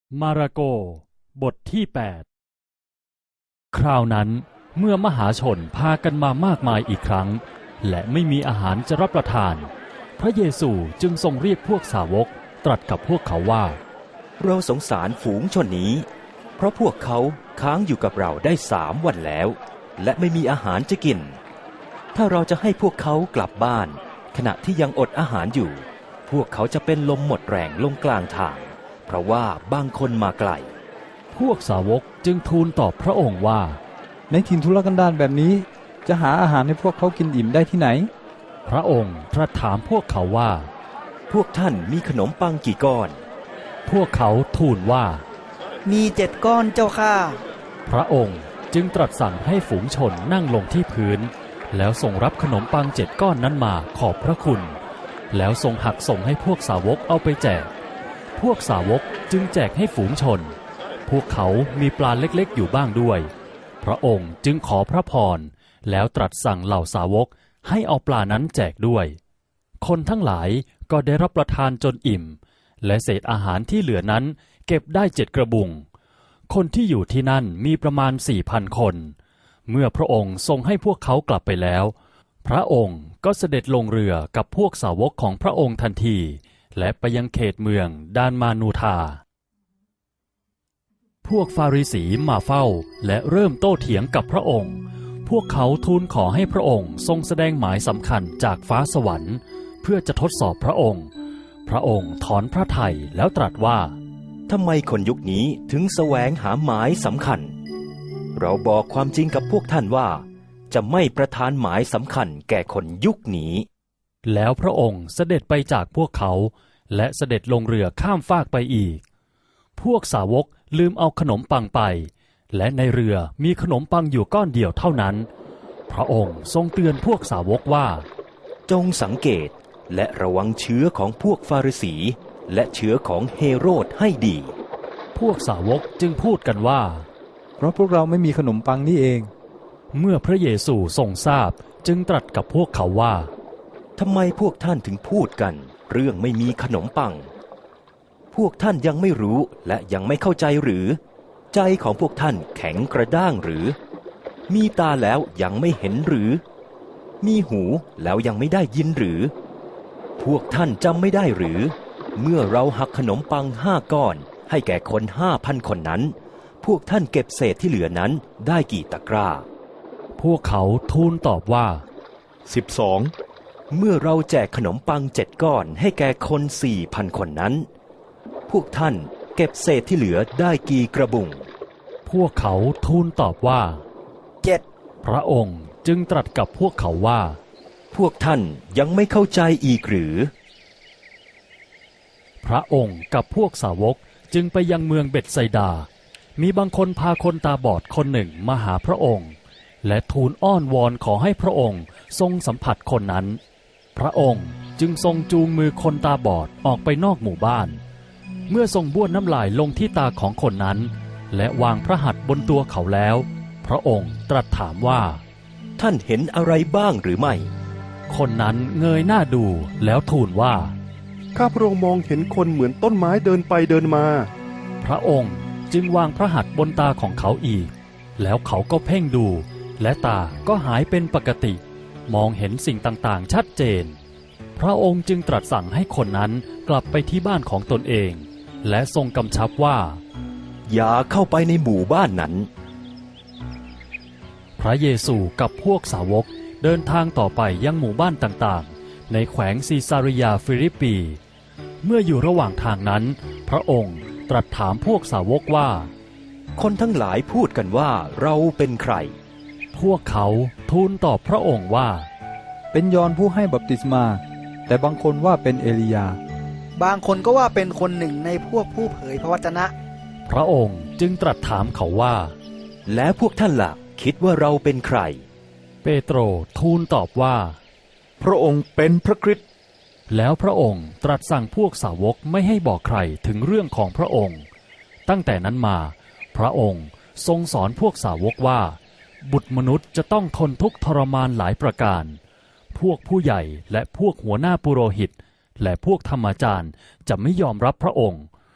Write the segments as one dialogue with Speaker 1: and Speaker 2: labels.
Speaker 1: มาระโกบทที่8คราวนั้นเมื่อมหาชนพากันมามากมายอีกครั้งและไม่มีอาหารจะรับประทานพระเยซูจึงทรงเรียกพวกสาวกตรัสกับพวกเขาว่า
Speaker 2: เราสงสารฝูงชนนี้เพราะพวกเขาค้างอยู่กับเราได้3 วันแล้วและไม่มีอาหารจะกินถ้าเราจะให้พวกเขากลับบ้านขณะที่ยังอดอาหารอยู่พวกเขาจะเป็นลมหมดแรงลงกลางทางเพราะว่าบางคนมาไกล
Speaker 1: พวกสาวกจึงทูลตอบพระองค์ว่า
Speaker 3: ในถิ่นทุรกันดารแบบนี้จะหาอาหารให้พวกเขากินอิ่มได้ที่ไหน
Speaker 1: พระองค์ตรัสถามพวกเขาว่า
Speaker 2: พวกท่านมีขนมปังกี่ก้อน
Speaker 1: พวกเขาทูลว่า
Speaker 4: มี7 ก้อนเจ้าข้า
Speaker 1: พระองค์จึงตรัสสั่งให้ฝูงชนนั่งลงที่พื้นแล้วทรงรับขนมปัง7 ก้อนนั้นมาขอบพระคุณแล้วทรงหักส่งให้พวกสาวกเอาไปแจกพวกสาวกจึงแจกให้ฝูงชนพวกเขามีปลาเล็กๆอยู่บ้างด้วยพระองค์จึงขอพระพรแล้วตรัสสั่งเหล่าสาวกให้เอาปลานั้นแจกด้วยคนทั้งหลายก็ได้รับประทานจนอิ่มและเศษอาหารที่เหลือนั้นเก็บได้7 กระบุงคนที่อยู่ที่นั่นมีประมาณ 4,000 คนเมื่อพระองค์ทรงให้พวกเขากลับไปแล้วพระองค์ก็เสด็จลงเรือกับพวกสาวกของพระองค์ทันทีและไปยังเขตเมืองดานมานูธาพวกฟาริสีมาเฝ้าและเริ่มโต้เถียงกับพระองค์พวกเขาทูลขอให้พระองค์ทรงแสดงหมายสำคัญจากฟ้าสวรรค์เพื่อจะทดสอบพระองค์พระองค์ถอนพระทัยแล้วตรัสว่า
Speaker 2: ทำไมคนยุคนี้ถึงแสวงหาหมายสำคัญเราบอกความจริงกับพวกท่านว่าจะไม่ประทานหมายสำคัญแก่คนยุคนี้
Speaker 1: แล้วพระองค์เสด็จไปจากพวกเขาและเสด็จลงเรือข้ามฟากไปอีกพวกสาวกลืมเอาขนมปังไปและในเรือมีขนมปังอยู่ก้อนเดียวเท่านั้นพระองค์ทรงเตือนพวกสาวกว่า
Speaker 2: จงสังเกตและระวังเชื้อของพวกฟาริสีและเชื้อของเฮโรดให้ดี
Speaker 1: พวกสาวกจึงพูดกันว่า
Speaker 3: เพราะพวกเราไม่มีขนมปังนี่เอง
Speaker 1: เมื่อพระเยซูทรงทราบจึงตรัสกับพวกเขาว่า
Speaker 2: ทำไมพวกท่านถึงพูดกันเรื่องไม่มีขนมปังพวกท่านยังไม่รู้และยังไม่เข้าใจหรือใจของพวกท่านแข็งกระด้างหรือมีตาแล้วยังไม่เห็นหรือมีหูแล้วยังไม่ได้ยินหรือพวกท่านจำไม่ได้หรือเมื่อเราหักขนมปัง5 ก้อนให้แก่คน 5,000 คนนั้นพวกท่านเก็บเศษที่เหลือนั้นได้กี่ตะกร้า
Speaker 1: พวกเขาทูลตอบว่า
Speaker 2: 12เมื่อเราแจกขนมปัง7 ก้อนให้แก่คน 4,000 คนนั้นพวกท่านเก็บเศษที่เหลือได้กี่กระบุง
Speaker 1: พวกเขาทูลตอบว่า
Speaker 4: 7
Speaker 1: พระองค์จึงตรัสกับพวกเขาว่า
Speaker 2: พวกท่านยังไม่เข้าใจอีกหรือ
Speaker 1: พระองค์กับพวกสาวกจึงไปยังเมืองเบ็ธไซดามีบางคนพาคนตาบอดคนหนึ่งมาหาพระองค์และทูลอ้อนวอนขอให้พระองค์ทรงสัมผัสคนนั้นพระองค์จึงทรงจูงมือคนตาบอดออกไปนอกหมู่บ้านเมื่อทรงบ้วนน้ำลายลงที่ตาของคนนั้นและวางพระหัตถ์บนตัวเขาแล้วพระองค์ตรัสถามว่า
Speaker 2: ท่านเห็นอะไรบ้างหรือไม่
Speaker 1: คนนั้นเงยหน้าดูแล้วทูลว่า
Speaker 5: ข้าพระองค์มองเห็นคนเหมือนต้นไม้เดินไปเดินมา
Speaker 1: พระองค์จึงวางพระหัตถ์บนตาของเขาอีกแล้วเขาก็เพ่งดูและตาก็หายเป็นปกติมองเห็นสิ่งต่างๆชัดเจนพระองค์จึงตรัสสั่งให้คนนั้นกลับไปที่บ้านของตนเองและทรงกำชับว่า
Speaker 2: อย่าเข้าไปในหมู่บ้านนั้น
Speaker 1: พระเยซูกับพวกสาวกเดินทางต่อไปยังหมู่บ้านต่างๆในแขวงซีซาริยาฟิลิปปีเมื่ออยู่ระหว่างทางนั้นพระองค์ตรัสถามพวกสาวกว่า
Speaker 2: คนทั้งหลายพูดกันว่าเราเป็นใคร
Speaker 1: พวกเขาทูลตอบพระองค์ว่า
Speaker 3: เป็นยอห์นผู้ให้บัพติศมาแต่บางคนว่าเป็นเอลียา
Speaker 4: บางคนก็ว่าเป็นคนหนึ่งในพวกผู้เผยพระวจนะ
Speaker 1: พระองค์จึงตรัสถามเขาว่า
Speaker 2: แล้วพวกท่านล่ะคิดว่าเราเป็นใคร
Speaker 1: เปโตรทูลตอบว่า
Speaker 5: พระองค์เป็นพระคริสต์
Speaker 1: แล้วพระองค์ตรัสสั่งพวกสาวกไม่ให้บอกใครถึงเรื่องของพระองค์ตั้งแต่นั้นมาพระองค์ทรงสอนพวกสาวกว่าบุตรมนุษย์จะต้องทนทุกข์ทรมานหลายประการพวกผู้ใหญ่และพวกหัวหน้าปุโรหิตและพวกธรรมจารย์จะไม่ยอมรับพระองค์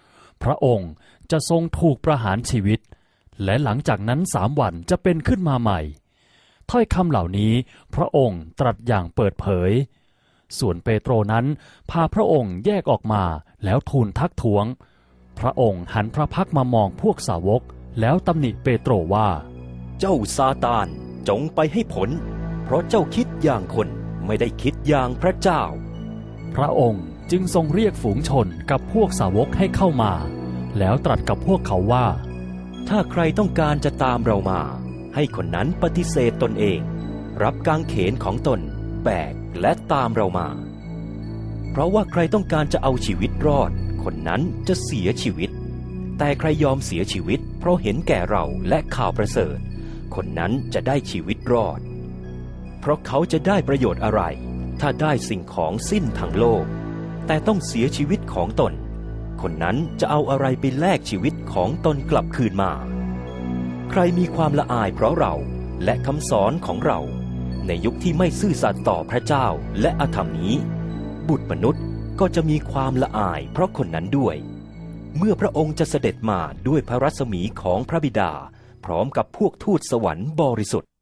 Speaker 1: พระองค์จะทรงถูกประหารชีวิตและหลังจากนั้น3 วันจะเป็นขึ้นมาใหม่ถ้อยคำเหล่านี้พระองค์ตรัสอย่างเปิดเผยส่วนเปโตรนั้นพาพระองค์แยกออกมาแล้วทูลทักท้วงพระองค์หันพระพักตร์มามองพวกสาวกแล้วตำหนิเปโตรว่า
Speaker 2: เจ้าซาตานจงไปให้ผลเพราะเจ้าคิดอย่างคนไม่ได้คิดอย่างพระเจ้า
Speaker 1: พระองค์จึงทรงเรียกฝูงชนกับพวกสาวกให้เข้ามาแล้วตรัสกับพวกเขาว่า
Speaker 2: ถ้าใครต้องการจะตามเรามาให้คนนั้นปฏิเสธตนเองรับกางเขนของตนแบกและตามเรามาเพราะว่าใครต้องการจะเอาชีวิตรอดคนนั้นจะเสียชีวิตแต่ใครยอมเสียชีวิตเพราะเห็นแก่เราและข่าวประเสริฐคนนั้นจะได้ชีวิตรอดเพราะเขาจะได้ประโยชน์อะไรถ้าได้สิ่งของสิ้นทั้งโลกแต่ต้องเสียชีวิตของตนคนนั้นจะเอาอะไรไปแลกชีวิตของตนกลับคืนมาใครมีความละอายเพราะเราและคำสอนของเราในยุคที่ไม่ซื่อสัตย์ต่อพระเจ้าและอธรรมนี้บุตรมนุษย์ก็จะมีความละอายเพราะคนนั้นด้วยเมื่อพระองค์จะเสด็จมาด้วยพระรัศมีของพระบิดาพร้อมกับพวกทูตสวรรค์บริสุทธิ์